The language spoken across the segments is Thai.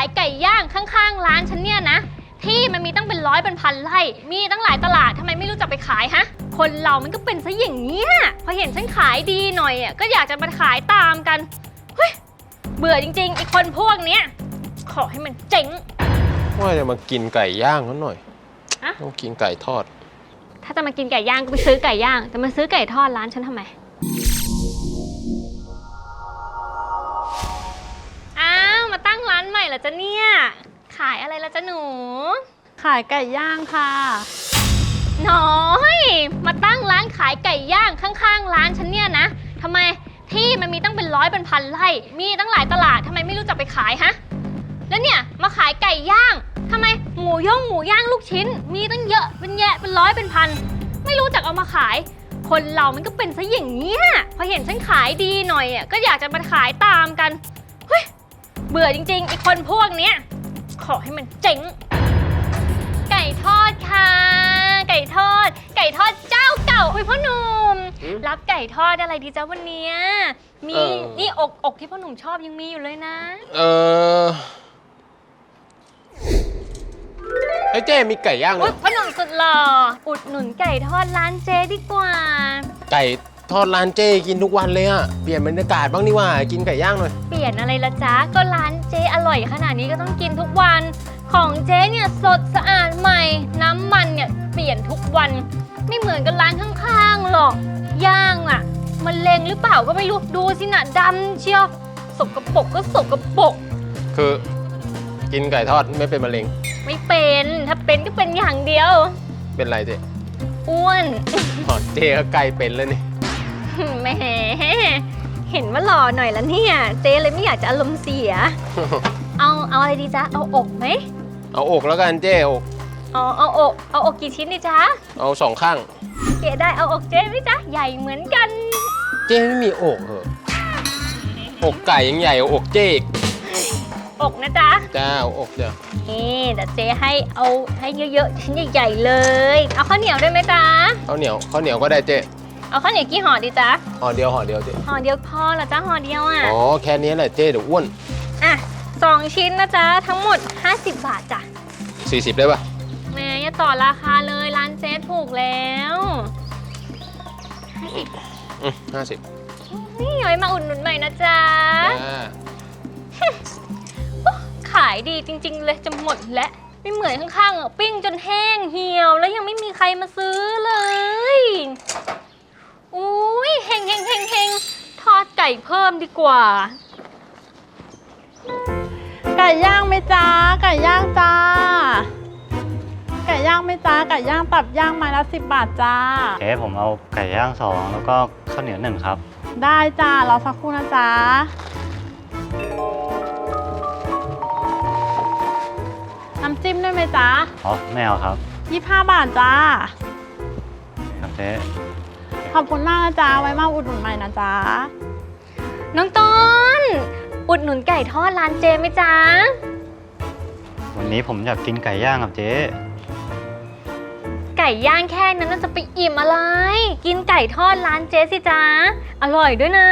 ายไก่ย่างข้างๆร้านฉันเนี่ยนะที่มันมีตั้งเป็นร้อยเป็นพันไร่มีตั้งหลายตลาดทำไมไม่รู้จักไปขายฮะคนเรามันก็เป็นซะอย่างนี้ยพอเห็นฉันขายดีหน่อยอ่ะก็อยากจะมาขายตามกันเฮ้ยเบื่อจริงๆไอ้คนพวกเนี้ยขอให้มันเจ๊งว่าจะมากินไก่ย่างเขาหน่อยต้องกินไก่ทอดถ้าจะมากินไก่ย่างก็ไปซื้อไก่ย่างแต่มาซื้อไก่ทอดร้านฉันทำไมอ้าวมาตั้งร้านใหม่เหรอจ๊ะเนี่ยขายอะไรละจ๊ะหนูขายไก่ย่างค่ะน้อยมาตั้งร้านขายไก่ย่างข้างๆร้านฉันเนี่ยนะทำไมที่มันมีตั้งเป็นร้อยเป็นพันไร่มีตั้งหลายตลาดทำไมไม่รู้จักไปขายฮะแล้วเนี่ยมาขายไก่ย่างทำไมหมูย่างลูกชิ้นมีตั้งเยอะเป็นแยะเป็นร้อยเป็นพันไม่รู้จักเอามาขายคนเรามันก็เป็นซะอย่างนี้พอเห็นฉันขายดีหน่อยอ่ะก็อยากจะมาขายตามกันเฮ้ยเบื่อจริงๆไอ้คนพวกเนี้ยขอให้มันเจ๊งไก่ทอดค่ะไก่ทอดเจ้าเก่าพ่อหนุ่มรับไก่ทอดอะไรดีจ้าวันนี้มีนี่อกที่พ่อหนุ่มชอบยังมีอยู่เลยนะเฮ้ยเจ๊มีไก่ย่างเลยพ่อหนุ่มสุดหล่ออุดหนุนไก่ทอดร้านเจ๊ดีกว่าไก่ทอดร้านเจ๊กินทุกวันเลยอะเปลี่ยนบรรยากาศบ้างนี่ว่ากินไก่ย่างหน่อยเปลี่ยนอะไรละจ๊ะก็ร้านเจ๊อร่อยขนาดนี้ก็ต้องกินทุกวันของเจ๊เนี่ยสดสะอาดใหม่น้ำมันเนี่ยเปลี่ยนทุกวันไม่เหมือนกับร้านข้างๆหรอกย่างอะมันเลงหรือเปล่าก็ไม่รู้ดูสินะดำเชียวสกปรกก็สกปรกคือกินไก่ทอดไม่เป็นมะเร็งไม่เป็นถ้าเป็นก็เป็นอย่างเดียวเป็นไรเจ๊อ้วนเจ๊ก็ไก่เป็นแล้วนี่แหมเห็นว่าหล่อหน่อยแล้วเนี่ยเจ๊เลยไม่อยากจะอารมณ์เสียเอาอะไรดีจ๊ะเอาอกไหมเอาอกแล้วกันเจ๊อกเอาอกกี่ชิ้นดีจ๊ะเอา2 ข้างเจ๊ได้เอาอกเจ๊ไหมจ๊ะใหญ่เหมือนกันเจ๊ไม่มีอกเหรออกไก่ยังใหญ่กว่าอกเจ๊อกนะจ๊ะจ้าเอาอกจ้ะนี่เดี๋ยวเจ๊ให้เยอะๆชิ้นใหญ่ๆเลยเอาข้าวเหนียวได้ไหมจ๊ะข้าวเหนียวก็ได้เจ๊เอาข้าวเหนียวกี่ห่อดีจ๊ะห่อเดียวเจ๊ห่อเดียวพอเหรอจ๊ะห่อเดียวอ่ะอ๋อแค่นี้แหละเจ๊เดี๋ยวอ้วนอ่ะ2 ชิ้นนะจ๊ะทั้งหมด50 บาทจ้ะ 40ได้ป่ะแหมอย่าต่อราคาเลยร้านเจ๊ถูกแล้ว 50 นี่ย้อยมาอุดหนุนใหม่นะจ๊ะขายดีจริงๆเลยจะหมดและไม่เหมือนข้างๆอ่ะปิ้งจนแห้งเหี่ยวแล้วยังไม่มีใครมาซื้อเลยอุ้ยเฮงทอดไก่เพิ่มดีกว่าไก่ย่างไหมจ้าไก่ย่างจ้าไก่ย่างไหมจ้าไก่ย่างตับย่างไม้ละ10 บาทจ้าเจ๊ผมเอาไก่ย่าง2แล้วก็ข้าวเหนียว1ครับได้จ้ารอสักครู่นะจ๊ะน้ำจิ้มด้วยไหมจ๊ะอ๋อไม่เอาครับ 25 บาทจ้าครับเจ๊ขอบคุณมากนะจ๊ะไว้มาอุดหนุนใหม่นะจ๊ะน้องต้นอุดหนุนไก่ทอดร้านเจไหมจ๊ะวันนี้ผมอยากกินไก่ย่างครับเจ๊ไก่ย่างแค่นั้นจะไปอิ่มอะไรกินไก่ทอดร้านเจสิจ๊ะอร่อยด้วยนะ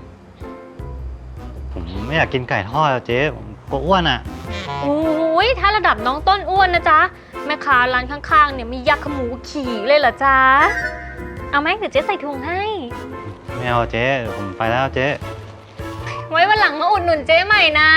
ผมไม่อยากกินไก่ทอดเจ๊ผมกลัวอ้วนอ่ะโอ้ยถ้าระดับน้องต้นอ้วนนะจ๊ะแม่ค้าร้านข้างๆเนี่ยมียักษ์ขมูขี่เลยเหรอจ๊ะเอาไหมเดี๋ยวเจ๊ใส่ถุงให้ไม่เอาเจ๊ผมไปแล้วเจ๊ไว้วันหลังมาอุดหนุนเจ๊ใหม่นะ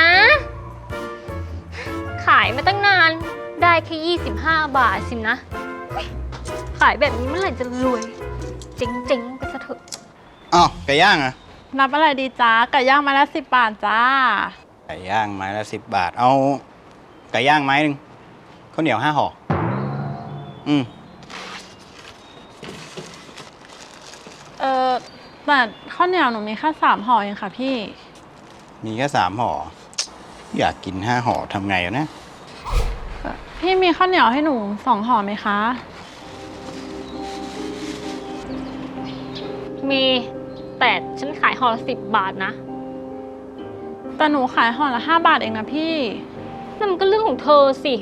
ขายมาตั้งนานได้แค่25 บาทสินะขายแบบนี้เมื่อไหร่จะรวยเจ๊งๆไปซะเถอะอ้าวไก่ย่างอะนับอะไรดีจ้าไก่ย่างไม้ละ10 บาทจ้าไก่ย่างไม้ละ10 บาทเอาไก่ย่างไม้หนึ่งข้าวเหนียว5 ห่อแต่ข้าวเหนียวหนูมีแค่3 ห่อเองค่ะพี่มีแค่3 ห่ออยากกิน5 ห่อทำไงนะพี่มีข้าวเหนียวให้หนู2 ห่อไหมคะมีแต่ฉันขายห่อละ10 บาทนะแต่หนูขายห่อละ5 บาทเองนะพี่นั่นมันก็เรื่องของเธอสิ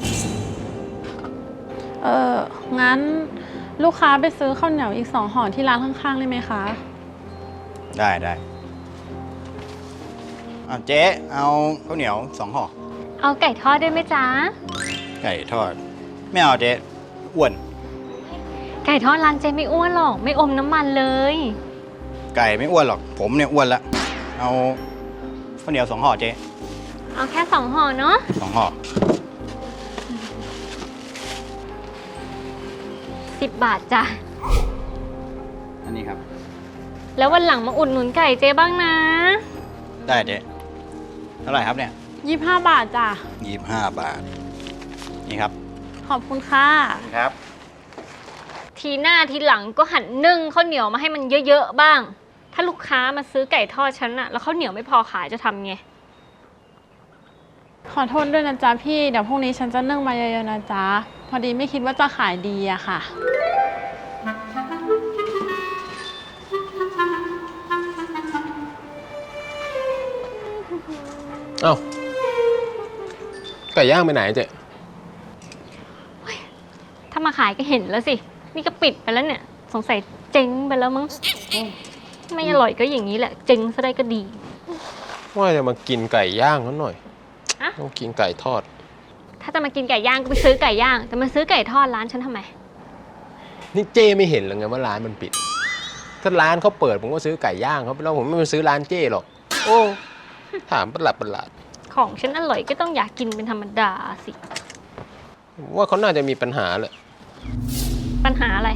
งั้นลูกค้าไปซื้อข้าวเหนียวอีก2 ห่อที่ร้านข้างๆได้ไหมคะได้เจ๊เอาข้าวเหนียว2 ห่อเเอาไก่ทอดด้วยไหมจ๊ะไก่ทอด ไม่เอาเจ๊อ้วนไก่ทอดร้านเจไม่อ้วนหรอก ไม่อมน้ำมันเลยไก่ไม่อ้วนหรอก ผมเนี่ยอ้วนละ เอาข้าวเหนียว2 ห่อเจ๊เอาแค่2 ห่อเนาะ 2 ห่อ 10 บาทจ้ะอันนี้ครับแล้ววันหลังมาอุดหนุนไก่เจ๊บ้างนะได้เจ๊เท่าไหร่ครับเนี่ย 25 บาทจ้ะ 25 บาท นี่ครับขอบคุณค่ะครับทีหน้าทีหลังก็หันนึ่งข้าวเหนียวมาให้มันเยอะๆบ้าง ถ้าลูกค้ามาซื้อไก่ทอดฉันอะแล้วข้าวเหนียวไม่พอขายจะทำไงขอโทษด้วยนะจ๊ะพี่ เดี๋ยวพรุ่งนี้ฉันจะนึ่งมาเยอะๆนะจ๊ะ พอดีไม่คิดว่าจะขายดีอะค่ะเอ้าไก่ย่างไปไหนเจ๊ถ้ามาขายก็เห็นแล้วสิ นี่ก็ปิดไปแล้วเนี่ย สงสัยเจ๊งไปแล้วมั้ง ไม่อร่อยก็อย่างนี้แหละ เจ๊งซะได้ก็ดีว่าจะมากินไก่ย่างเขาหน่อยอะต้องกินไก่ทอดถ้าจะมากินไก่ย่างก็ไปซื้อไก่ย่างแต่มาซื้อไก่ทอดร้านฉันทำไมนี่เจ้ไม่เห็นเลยไงว่าร้านมันปิด ถ้าร้านเขาเปิดผมก็ซื้อไก่ย่างเขาไปแล้วผมไม่ไปซื้อร้านเจ้หรอก โอ้ถามประหลาดของฉันอร่อยก็ต้องอยากกินเป็นธรรมดาสิผมว่าเขาน่าจะมีปัญหาแหละปัญหาอะไร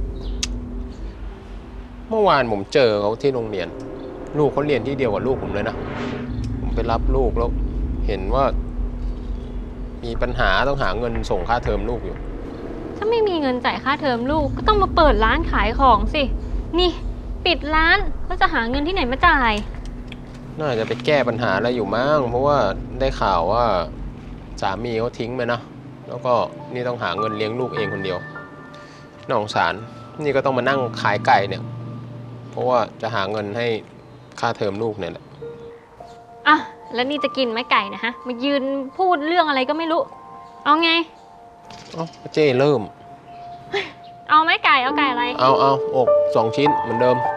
เมื่อวานผมเจอเขาที่โรงเรียน ลูกเขาเรียนที่เดียวกับลูกผมเลยนะ ผมไปรับลูกแล้ว เห็นว่า มีปัญหาต้องหาเงินส่งค่าเทอมลูกอยู่ถ้าไม่มีเงินจ่ายค่าเทอมลูกก็ต้องมาเปิดร้านขายของสิ นี่ ปิดร้านแล้วจะหาเงินที่ไหนมาจ่ายน่าจะไปแก้ปัญหาอะไรอยู่มั้งเพราะว่าได้ข่าวว่าสามีเขาทิ้งไปนะ แล้วก็นี่ต้องหาเงินเลี้ยงลูกเองคนเดียวน่าสงสารนี่ก็ต้องมานั่งขายไก่เนี่ย เพราะว่าจะหาเงินให้ค่าเทอมลูกเนี่ยแหละอ่ะ แล้วนี่จะกินไหมไก่นะฮะ มายืนพูดเรื่องอะไรก็ไม่รู้ เอาไงเอ้าเจ้เริ่มเอาไหมไก่ เอาไก่อะไรเอาอก2 ชิ้นเหมือนเดิม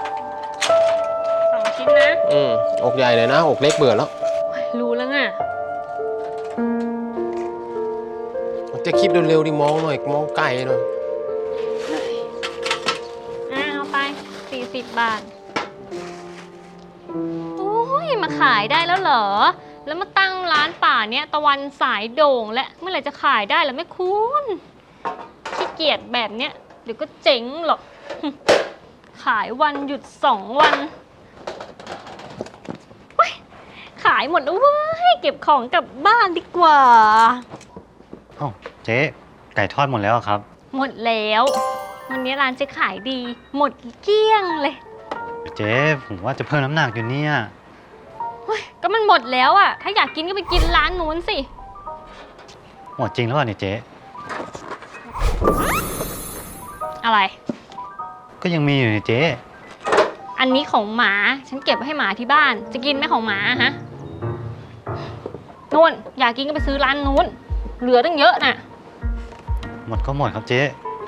2 ชิ้นนะอกใหญ่เลยนะ อกเล็กเบื่อแล้วรู้แล้วไงจะคิดเร็วๆดิมองหน่อยมองไกลหน่อยเอาไป 40 บาท โอ้ย มาขายได้แล้วเหรอ แล้วมาตั้งร้านป่าเนี้ยตะวันสายโด่งและเมื่อไหร่จะขายได้ล่ะแม่คุณขี้เกียจแบบเนี้ยเดี๋ยวก็เจ๊งหรอก ขายวันหยุด2 วันเว้ยขายหมดแล้วเว้ย เก็บของกลับบ้านดีกว่าเอ้าเจ๊ไก่ทอดหมดแล้วครับหมดแล้ว วันนี้ร้านเจะขายดี หมดเกลี้ยงเลยเจ๊ผมว่าจะเพิ่มน้ำหนักอยู่เนี่ยเฮ้ยก็มันหมดแล้วอ่ะ ถ้าอยากกินก็ไปกินร้านนู้นสิหมดจริงแล้วเหรอเนี่ยเจ๊อะไรก็ยังมีอยู่เนี่ยเจ๊อันนี้ของหมา ฉันเก็บไว้ให้หมาที่บ้าน จะกินไหมของหมาฮะนู่นอยากกินก็ไปซื้อร้านนู้น เหลือตั้งเยอะน่ะหมดก็หมดครับเจ๊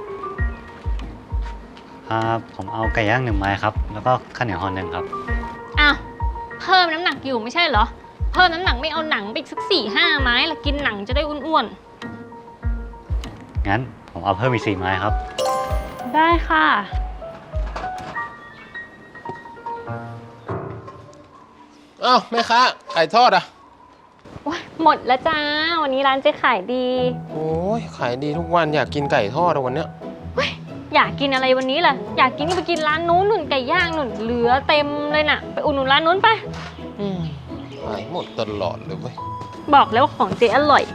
ผมเอาไก่ย่าง1 ไม้ครับ แล้วก็ข้าวเหนียวห่อ 1ครับอ้าว เพิ่มน้ำหนักอยู่ไม่ใช่เหรอ เพิ่มน้ำหนักไม่เอาหนังไปอีกสัก4-5 ไม้ละกินหนังจะได้อ้วนงั้นผมเอาเพิ่มอีก4 ไม้ครับได้ค่ะอ้าวแม่ค้าไก่ทอดอ่ะๆโอ๊ยหมดแล้วจ้า วันนี้ร้านเจ๊ขายดีโอ้ยขายดีทุกวันอยากกินไก่ทอดอะวันเนี้ยอยากกินอะไรวันนี้ล่ะ อยากกินก็ไปกินร้านนู้นหนุนไก่ย่างหนุนเหลือเต็มเลยน่ะ ไปอุดหนุนร้านนู้นไปขายหมดตลอดเลยเว้ยบอกแล้วว่าของเจ๊อร่อย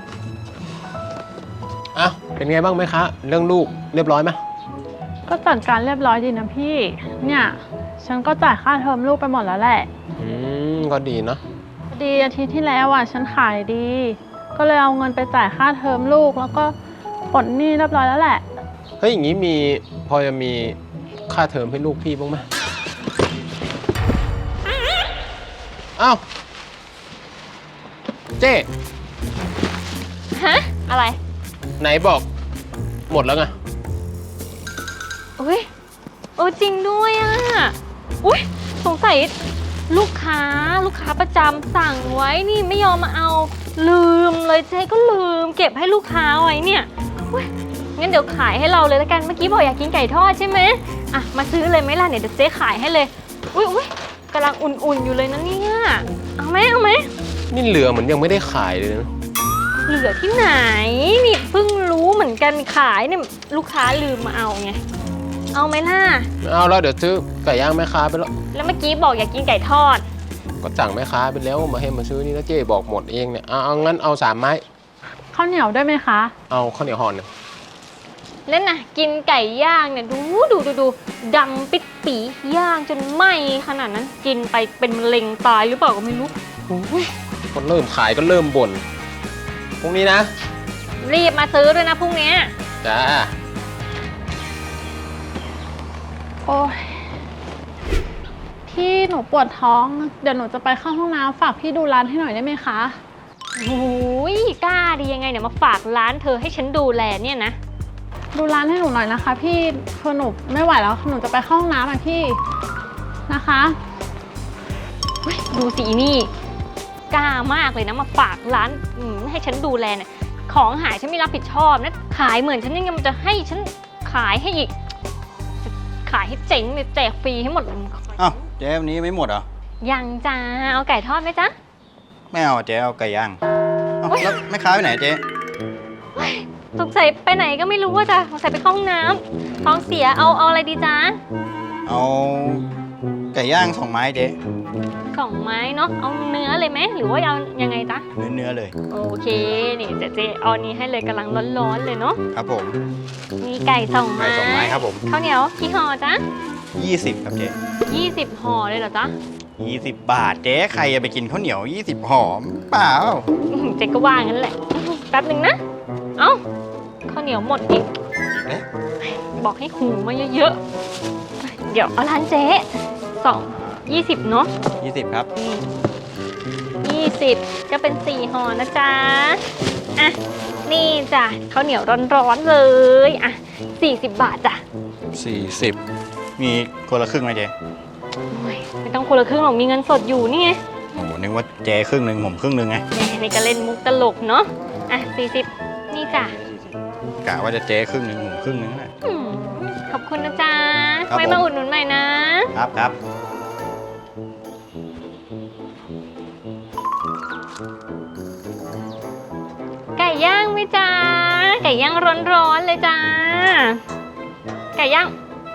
อ้าวเป็นไงบ้างแม่ค้าเรื่องลูกเรียบร้อยไหมก็จัดการเรียบร้อยดีนะพี่ เนี่ย ฉันก็จ่ายค่าเทอมลูกไปหมดแล้วแหละก็ดีนะพอดีอาทิตย์ที่แล้วอ่ะฉันขายดี ก็เลยเอาเงินไปจ่ายค่าเทอมลูกแล้วก็ปลดหนี้เรียบร้อยแล้วแหละเฮ้ยอย่างนี้พอจะมีค่าเทอมให้ลูกพี่บ้างไหมอ้าวเจ๊ฮะ อะไรไหนบอกหมดแล้วไงอุ้ยจริงด้วยอ่ะ อุ้ยสงสัยลูกค้าประจำสั่งไว้นี่ไม่ยอมมาเอาลืมเลยเจ๊ก็ลืมเก็บให้ลูกค้าไว้เนี่ยอุ๊ยงั้นเดี๋ยวขายให้เราเลยละกันเมื่อกี้บอกอยากกินไก่ทอดใช่ไหมอ่ะมาซื้อเลยไหมล่ะเนี่ยเดี๋ยวเจ๊ขายให้เลยอุ้ยกำลังอุ่นๆอยู่เลยนะเนี่ยเอาไหมนี่เหลือเหมือนยังไม่ได้ขายเลยนะเหลือที่ไหนนี่เพิ่งรู้เหมือนกันขายเนี่ยลูกค้าลืมมาเอาไงเอาไหมล่ะไม่เอาแล้วเดี๋ยวซื้อไก่ย่างแม่ค้าไปแล้วแล้วเมื่อกี้บอกอยากกินไก่ทอดก็สั่งแม่ค้าไปแล้วมาให้มาซื้อนี่นะเจ๊บอกหมดเองเนี่ยเอางั้นเอา3 ไม้ข้าวเหนียวด้วยไหมคะเอาข้าวเหนียวห่อหนึ่งเล่นนะกินไก่ย่างเนี่ยดูดำปิดปีย่างจนไหม้ขนาดนั้นกินไปเป็นมะเร็งตายหรือเปล่าก็ไม่รู้คนเริ่มขายก็เริ่มบ่นพรุ่งนี้นะรีบมาซื้อด้วยนะพรุ่งนี้จ้าโอ้ยพี่หนูปวดท้อง เดี๋ยวหนูจะไปเข้าห้องน้ำฝากพี่ดูร้านให้หน่อยได้ไหมคะโอ้ยกล้าดียังไงเนี่ยมาฝากร้านเธอให้ฉันดูแลเนี่ยนะดูร้านให้หนูหน่อยนะคะ พี่คือหนูไม่ไหวแล้วหนูจะไปเข้าห้องน้ำอ่ะพี่นะคะดูสินี่กล้ามากเลยนะมาฝากร้านให้ฉันดูแลเนี่ยของหายฉันไม่รับผิดชอบนะขายเหมือนฉันยังไงมันจะให้ฉันขายให้อีกจะขายให้เจ๋งเลยแจกฟรีให้หมดอ้าวเจ๊วันนี้ไม่หมดเหรอยังจ้าเอาไก่ทอดไหมจ๊ะไม่เอาเจ๊เอาไก่ย่างเอ้าแล้วแม่ค้าไปไหนเจ๊สงสัยไปไหนก็ไม่รู้ว่าจ้ะสงสัยไปเข้าห้องน้ำท้องเสียเอาอะไรดีจ๊ะเอาไก่ย่าง2 ไม้เจ๊ 2 ไม้เนาะเอาเนื้อเลยไหมหรือว่าเอายังไงจ๊ะเนื้อเลยโอเคนี่เจ๊เอาอันนี้ให้เลยกำลังร้อนๆเลยเนาะครับผมมีไก่2 ไม้ไก่2 ไม้ครับผมข้าวเหนียวกี่ห่อจ๊ะ 20ครับเจ๊ 20 ห่อเลยเหรอจ๊ะ 20 บาทเจ๊ใครจะไปกินข้าวเหนียว20ห่อเปล่าเจ๊ก็ว่างั้นแหละแป๊บหนึ่งนะเอ้าข้าวเหนียวหมดอีกเอ๊ะบอกให้หูมาเยอะๆเดี๋ยวเอาร้านเจ๊20เนาะ 20ครับ 20ก็เป็น4 ห่อนะจ๊ะอ่ะนี่จ้ะข้าวเหนียวร้อนๆเลยอ่ะ40 บาทจ้ะ 40มีคนละครึ่งไหมเจ๊โอ้ยไม่ต้องคนละครึ่งหรอกมีเงินสดอยู่นี่ไงโอ้โหนึกว่าเจ๊ครึ่งหนึ่งผมครึ่งหนึ่งไงแหมนี่ก็เล่นมุกตลกเนาะอ่ะ40นี่จ้ะกะว่าจะเจ๊ครึ่งหนึ่งผมครึ่งหนึ่งแหละอืมขอบคุณนะจ๊ะครับไว้มาอุดหนุนใหม่นะครับไก่ย่างไหมจ๊ะไก่ย่างร้อนๆเลยจ้าไก่ย่าง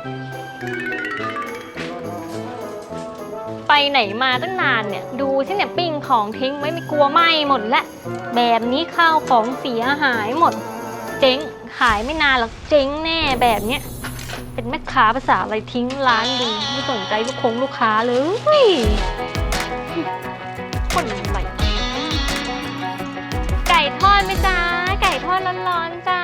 ไปไหนมาตั้งนานเนี่ยดูสิเนี่ยปิ้งของทิ้งไว้ไม่กลัวไหม้หมดแล้วแบบนี้ข้าวของเสียหายหมด เจ๊งขายไม่นานหรอกเจ๊งแน่แบบเนี้ยเป็นแม่ค้าภาษาอะไรทิ้งร้านดีไม่สนใจลูกค้าเลยคนอะไรไก่ทอดไหมจ๊ะไก่ทอดร้อนๆจ้า